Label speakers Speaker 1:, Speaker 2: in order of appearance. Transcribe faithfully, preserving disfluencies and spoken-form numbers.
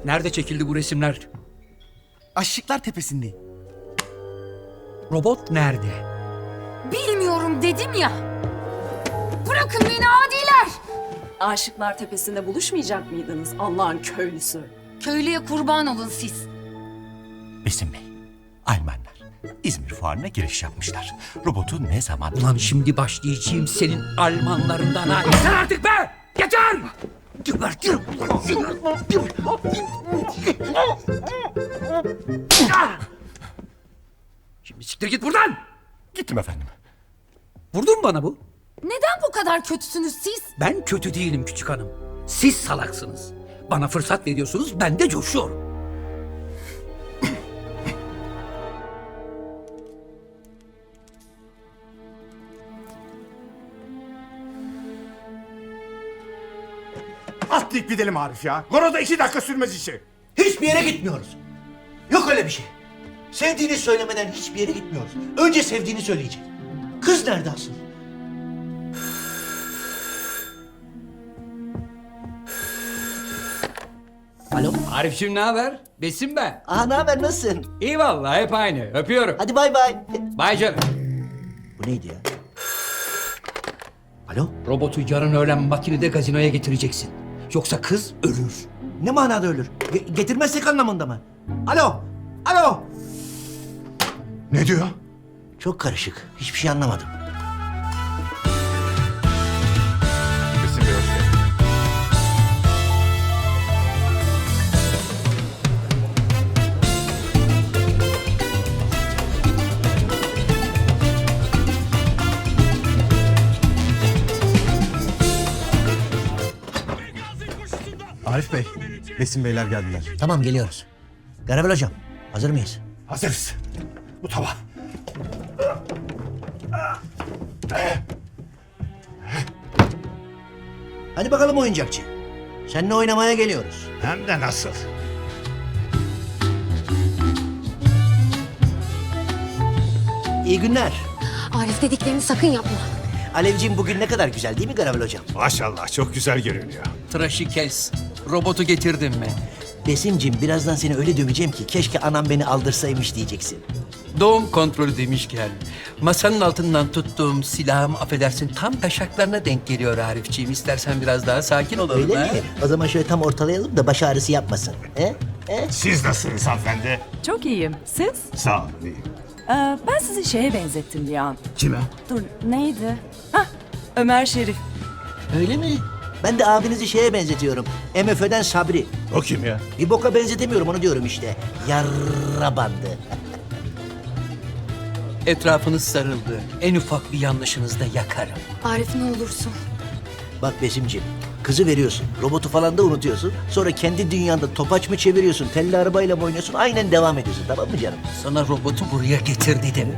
Speaker 1: Nerede çekildi bu resimler?
Speaker 2: Aşıklar Tepesi'nde.
Speaker 1: Robot nerede?
Speaker 3: Bilmiyorum dedim ya. Bırakın beni adiler.
Speaker 4: Aşıklar Tepesi'nde buluşmayacak mıydınız Allah'ın köylüsü?
Speaker 3: Köylüye kurban olun siz.
Speaker 5: Besim Bey, Almanlar İzmir Fuarı'na giriş yapmışlar. Robotu ne zaman...
Speaker 1: Ulan şimdi başlayacağım senin Almanlarından ha. Yeter artık be! Yeter! Gebertirim ulan seni. Ah! Şimdi siktir git buradan!
Speaker 5: Gittim efendim.
Speaker 1: Vurdun mu bana bu?
Speaker 3: Neden bu kadar kötüsünüz siz?
Speaker 1: Ben kötü değilim küçük hanım. Siz salaksınız. Bana fırsat veriyorsunuz, ben de coşuyorum.
Speaker 6: Atlayıp gidelim Arif ya. Goro'da iki dakika sürmez işi.
Speaker 7: Hiçbir yere gitmiyoruz. Yok öyle bir şey. Sevdiğini söylemeden hiçbir yere gitmiyoruz. Önce sevdiğini söyleyecek. Kız nerede asıl? Alo.
Speaker 1: Arif'cim ne haber? Besim ben.
Speaker 7: Aa, ne haber, nasılsın?
Speaker 1: İyi vallahi hep aynı. Öpüyorum.
Speaker 7: Hadi bay bay.
Speaker 1: Bay canım.
Speaker 7: Bu neydi ya? Alo.
Speaker 1: Robotu yarın öğlen makinede gazinoya getireceksin. Yoksa kız ölür.
Speaker 7: Ne manada ölür? Ge- getirmezsek anlamında mı? Alo. Alo.
Speaker 6: Ne diyor?
Speaker 7: Çok karışık. Hiçbir şey anlamadım.
Speaker 6: Besim Bey hoş geldin.
Speaker 2: Arif Bey, Besim Beyler geldiler.
Speaker 7: Tamam, geliyoruz. Garavel hocam, hazır mıyız?
Speaker 6: Hazırız. Bu tamam.
Speaker 7: Hadi bakalım oyuncakçı. Seninle oynamaya geliyoruz.
Speaker 6: Hem de nasıl?
Speaker 7: İyi günler.
Speaker 3: Arif dediklerini sakın yapma.
Speaker 7: Alevciğim, bugün ne kadar güzel değil mi Garavel hocam?
Speaker 6: Maşallah çok güzel görünüyor.
Speaker 1: Tıraşı kes. Robotu getirdin mi?
Speaker 7: Besimciğim, birazdan seni öyle döveceğim ki keşke anam beni aldırsaymış diyeceksin.
Speaker 1: Doğum kontrolü demişken masanın altından tuttuğum silahım affedersin tam taşaklarına denk geliyor Arifciğim. İstersen biraz daha sakin olalım.
Speaker 7: Öyle
Speaker 1: ha?
Speaker 7: mi? O zaman şöyle tam ortalayalım da baş ağrısı yapmasın. He? He?
Speaker 6: Siz nasılsınız hanımefendi?
Speaker 4: Çok iyiyim. Siz?
Speaker 6: Sağ olun iyiyim.
Speaker 4: Ee, ben sizi şeye benzettim bir an.
Speaker 1: Kime?
Speaker 4: Dur neydi? Hah Ömer Şerif.
Speaker 7: Öyle mi? Ben de abinizi şeye benzetiyorum. M F Ö'den Sabri.
Speaker 6: O kim ya?
Speaker 7: Bir boka benzetemiyorum, onu diyorum işte. Yarra bandı.
Speaker 1: Etrafınız sarıldı. En ufak bir yanlışınızda yakarım.
Speaker 3: Arif ne olursun.
Speaker 7: Bak Besimciğim, kızı veriyorsun, robotu falan da unutuyorsun. Sonra kendi dünyanda topaç mı çeviriyorsun, telli arabayla mı oynuyorsun, aynen devam ediyorsun, tamam mı canım?
Speaker 1: Sana robotu buraya getir dedim.